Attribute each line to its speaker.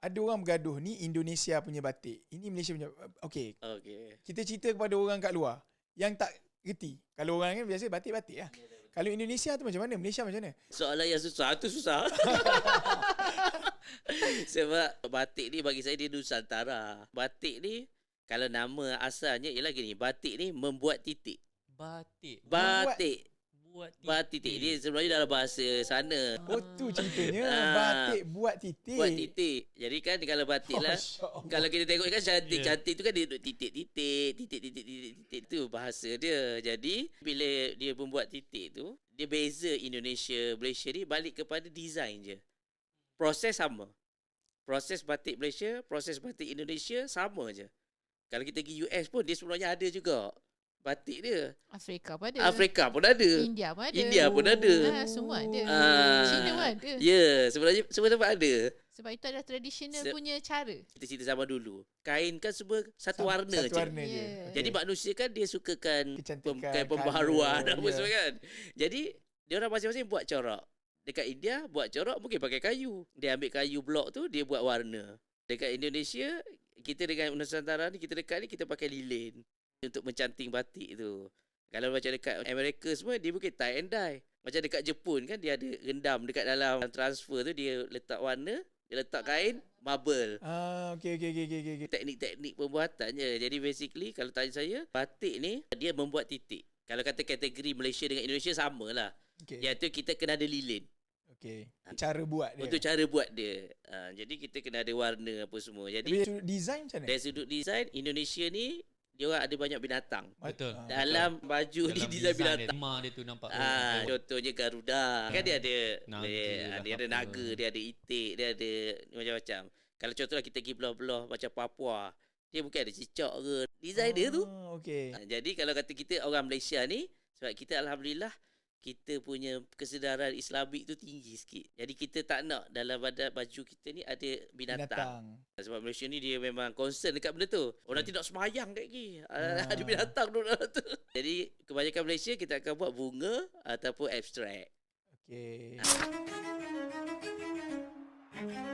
Speaker 1: ada orang bergaduh, ni Indonesia punya batik, ini Malaysia punya. Okay. Kita cerita kepada orang kat luar yang tak reti. Kalau orang kan biasa batik-batik lah. Kalau Indonesia tu macam mana? Malaysia macam mana?
Speaker 2: Soalan yang susah tu susah. Sebab batik ni bagi saya dia Nusantara. Batik ni kalau nama asalnya ialah gini, batik ni membuat titik.
Speaker 3: Batik.
Speaker 2: Buat titik. Dia sebenarnya dalam bahasa sana.
Speaker 1: Oh tu ceritanya. Batik buat titik.
Speaker 2: Buat titik. Jadi kan kalau batik lah, kalau kita tengok kan cantik-cantik tu kan dia duduk titik tu bahasa dia. Jadi bila dia membuat titik tu, dia beza Indonesia, Malaysia ni balik kepada design je. Proses sama. Proses batik Malaysia, proses batik Indonesia sama je. Kalau kita pergi US pun dia sebenarnya ada juga batik dia.
Speaker 4: Afrika pun ada.
Speaker 2: Afrika pun ada.
Speaker 4: India pun ada.
Speaker 2: India pun ada.
Speaker 4: Semua ada. China pun ada.
Speaker 2: Ya, sebenarnya semua tempat ada.
Speaker 4: Sebab itu adalah tradisional punya cara.
Speaker 2: Kita cerita zaman dulu. Kain kan semua satu warna je.
Speaker 1: Satu warna je.
Speaker 2: Jadi manusia kan dia sukakan
Speaker 1: Kecantikan,
Speaker 2: pembaharuan
Speaker 1: colour,
Speaker 2: apa semua kan. Jadi dia orang masing-masing buat corak. Dekat India buat corak mungkin pakai kayu. Dia ambil kayu blok tu dia buat warna. Dekat Indonesia kita dengan Nusantara ni kita dekat ni kita pakai lilin untuk mencanting batik tu. Kalau macam dekat Amerika semua dia mungkin tie and dye. Macam dekat Jepun kan dia ada rendam dekat dalam transfer tu dia letak warna, dia letak kain marble.
Speaker 1: Okay.
Speaker 2: Teknik-teknik pembuatannya. Jadi basically kalau tanya saya, batik ni dia membuat titik. Kalau kata kategori Malaysia dengan Indonesia samalah. Iaitu kita kena ada lilin.
Speaker 1: Cara buat dia.
Speaker 2: Untuk cara buat dia. Jadi kita kena ada warna apa semua. Jadi
Speaker 1: dari sudut design macam mana?
Speaker 2: Dari sudut design Indonesia ni dia orang ada banyak binatang.
Speaker 3: Betul.
Speaker 2: Dalam baju ni design binatang.
Speaker 3: Dia tu nampak.
Speaker 2: Contohnya Garuda. Kan dia ada
Speaker 3: naga,
Speaker 2: dia ada naga, dia ada itik, dia ada macam-macam. Kalau contohnya kita pergi belah-belah macam Papua, dia mungkin ada cicak ke. Design dia tu. Jadi kalau kata kita orang Malaysia ni, sebab kita alhamdulillah kita punya kesedaran Islamik tu tinggi sikit. Jadi kita tak nak dalam badan baju kita ni ada binatang. Sebab Malaysia ni dia memang concern dekat benda tu. Orang tidak semayang kat lagi. Ada binatang tu dalam tu. Jadi kebanyakan Malaysia kita akan buat bunga ataupun abstrak.
Speaker 1: Okay.